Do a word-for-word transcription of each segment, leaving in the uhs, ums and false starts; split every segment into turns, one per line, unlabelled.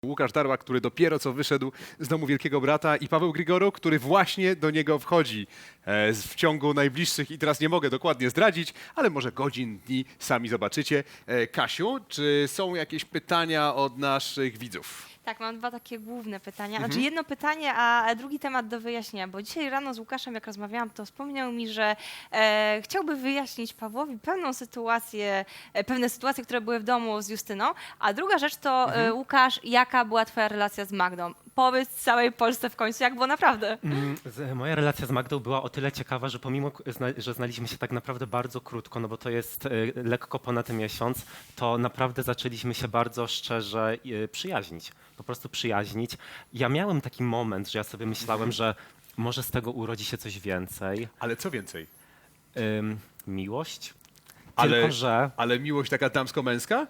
Łukasz Darła, który dopiero co wyszedł z domu Wielkiego Brata, i Paweł Grigoro, który właśnie do niego wchodzi e, w ciągu najbliższych, i teraz nie mogę dokładnie zdradzić, ale może godzin, dni, sami zobaczycie. E, Kasiu, czy są jakieś pytania od naszych widzów?
Tak, mam dwa takie główne pytania.
Mhm.
Znaczy jedno pytanie, a drugi temat do wyjaśnienia, bo dzisiaj rano z Łukaszem, jak rozmawiałam, to wspomniał mi, że e, chciałby wyjaśnić Pawłowi pewną sytuację, e, pewne sytuacje, które były w domu z Justyną, a druga rzecz to,
Mhm.
e, Łukasz, jaka była twoja relacja z Magdą? Powiedz całej Polsce w końcu, jak było naprawdę.
Mm, z- Moja relacja z Magdą była o tyle ciekawa, że pomimo, k- zna- że znaliśmy się tak naprawdę bardzo krótko, no bo to jest e, lekko ponad miesiąc, to naprawdę zaczęliśmy się bardzo szczerze e, przyjaźnić. Po prostu przyjaźnić. Ja miałem taki moment, że ja sobie myślałem, że może z tego urodzi się coś więcej.
Ale co więcej?
Ym, miłość.
Ale-
Tylko, że
Ale miłość taka damsko-męska?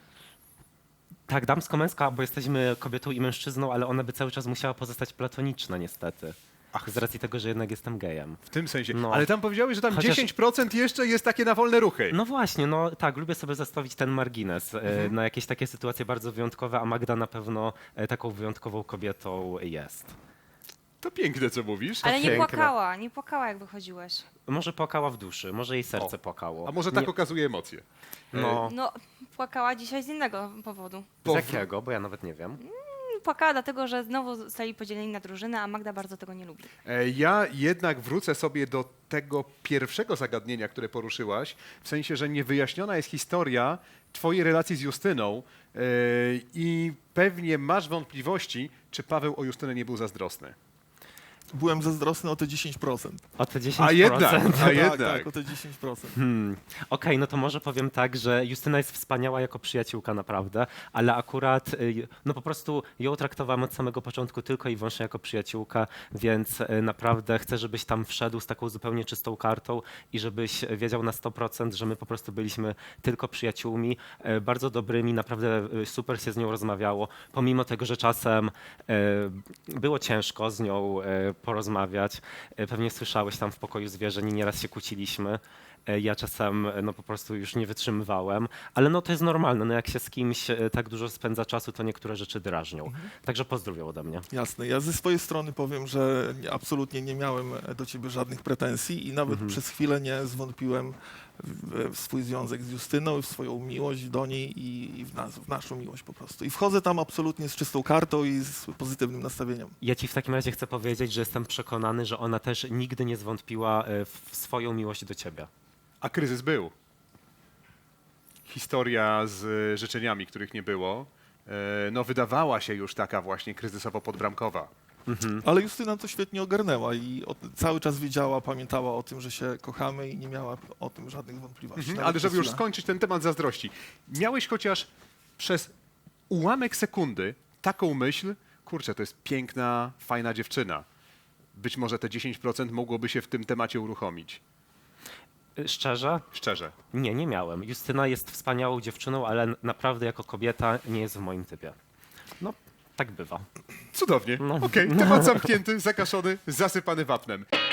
tak, damsko-męska, bo jesteśmy kobietą i mężczyzną, ale ona by cały czas musiała pozostać platoniczna niestety.
Ach,
Z racji tego, że jednak jestem gejem.
w tym sensie.
No.
Ale tam powiedziałeś, że tam
Chociaż-
dziesięć procent jeszcze jest takie na wolne ruchy.
No właśnie, no tak, lubię sobie zostawić ten margines e,
Mhm.
na jakieś takie sytuacje bardzo wyjątkowe, a Magda na pewno e, taką wyjątkową kobietą jest.
To piękne, co mówisz.
Ale nie
piękne.
płakała, nie płakała, jak wychodziłeś.
Może płakała w duszy, może jej serce
O,
płakało.
A może tak
Nie,
okazuje emocje?
no,
No, płakała dzisiaj z innego powodu.
z jakiego, bo ja nawet nie wiem.
Płakała dlatego, że znowu zostali podzieleni na drużyny, a Magda bardzo tego nie lubi.
E, Ja jednak wrócę sobie do tego pierwszego zagadnienia, które poruszyłaś, w sensie, że niewyjaśniona jest historia twojej relacji z Justyną e, i pewnie masz wątpliwości, czy Paweł o Justynę nie był zazdrosny.
Byłem zazdrosny o te dziesięć procent.
O te dziesięć
A
procent.
jednak, a
Tak,
jednak.
tak, o te dziesięć procent.
Hmm. Okej, no to może powiem tak, że Justyna jest wspaniała jako przyjaciółka naprawdę, ale akurat y, no po prostu ją traktowałem od samego początku tylko i wyłącznie jako przyjaciółka, więc y, naprawdę chcę, żebyś tam wszedł z taką zupełnie czystą kartą i żebyś wiedział na sto procent, że my po prostu byliśmy tylko przyjaciółmi, y, bardzo dobrymi, naprawdę y, super się z nią rozmawiało, pomimo tego, że czasem y, było ciężko z nią y, porozmawiać. Y, Pewnie słyszałeś tam w pokoju zwierzeń, nieraz się kłóciliśmy. E, Ja czasem e, no po prostu już nie wytrzymywałem, ale no to jest normalne, no jak się z kimś e, tak dużo spędza czasu, to niektóre rzeczy drażnią. Także pozdrowią ode mnie.
Jasne. Ja ze swojej strony powiem, że nie- absolutnie nie miałem do ciebie żadnych pretensji i nawet
Mhm.
przez chwilę nie zwątpiłem w, w swój związek z Justyną, w swoją miłość do niej i, i w, nas, w naszą miłość po prostu. I wchodzę tam absolutnie z czystą kartą i z pozytywnym nastawieniem.
Ja ci w takim razie chcę powiedzieć, że jestem przekonany, że ona też nigdy nie zwątpiła e, w swoją miłość do ciebie.
A kryzys był. Historia z e, życzeniami, których nie było, e, no wydawała się już taka właśnie kryzysowo-podbramkowa.
Mhm.
Ale Justyna to świetnie ogarnęła i o, cały czas wiedziała, pamiętała o tym, że się kochamy i nie miała o tym żadnych wątpliwości.
Mhm,
Nawet
ale żeby
przez
już
chwilę.
skończyć ten temat zazdrości, miałeś chociaż przez ułamek sekundy taką myśl, kurczę, to jest piękna, fajna dziewczyna. Być może te dziesięć procent mogłoby się w tym temacie uruchomić.
E, Szczerze?
Szczerze.
Nie, nie miałem. Justyna jest wspaniałą dziewczyną, ale n- naprawdę jako kobieta nie jest w moim typie. No, tak bywa.
Cudownie.
No.
Okej, temat zamknięty, zakaszony, zasypany wapnem.